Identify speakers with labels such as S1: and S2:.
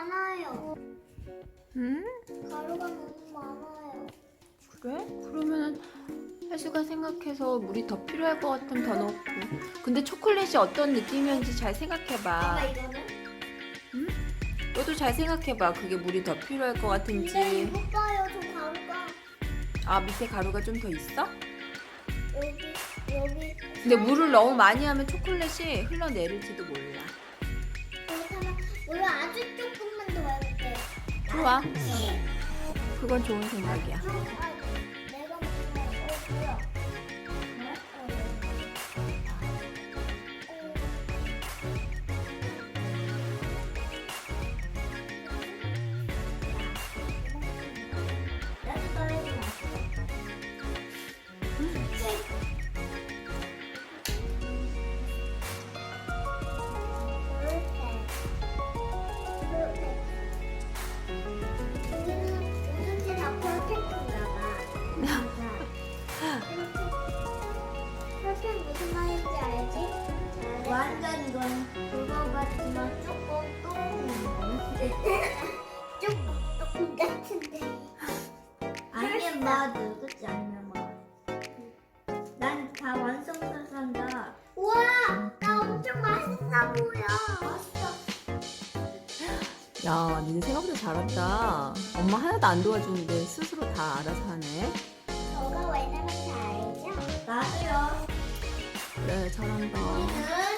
S1: 많아요.
S2: 응?
S1: 가루가 너무 많아요.
S2: 그래? 그러면은 혜수가 생각해서 물이 더 필요할 것 같으면 더 넣고. 근데 초콜릿이 어떤 느낌이었는지 잘 생각해봐.
S1: 내가 이거는?
S2: 응? 너도 잘 생각해봐. 그게 물이 더 필요할 것
S1: 근데
S2: 같은지.
S1: 이거 봐요. 저 가루가
S2: 아, 밑에 가루가 좀 더 있어?
S1: 여기.
S2: 근데 물을 너무 많이 하면 초콜릿이 흘러내릴지도 몰라.
S1: 그렇다면 물을 아주 조금만 더 해볼게.
S2: 좋아. 그건 좋은 생각이야.
S1: 내가 뭐야? 네? 나도 떨어지지 마. 퍼펙트 무슨 말인지 알지? 완전 이건 그거 같지만 조금 조금 같은데.
S3: 아니면 맞아, 그렇지 않으면 맞아. 난 다 완성한다.
S1: 우와, 나 엄청 맛있어 보여. 맛있어.
S2: 야, 니네 생각보다 잘한다. 엄마 하나도 안 도와주는데 스스로 다 알아서 하네.
S1: 저가 왜냐면 잘 알죠?
S3: 나도요.
S2: 그래, 잘한다.
S1: 우리는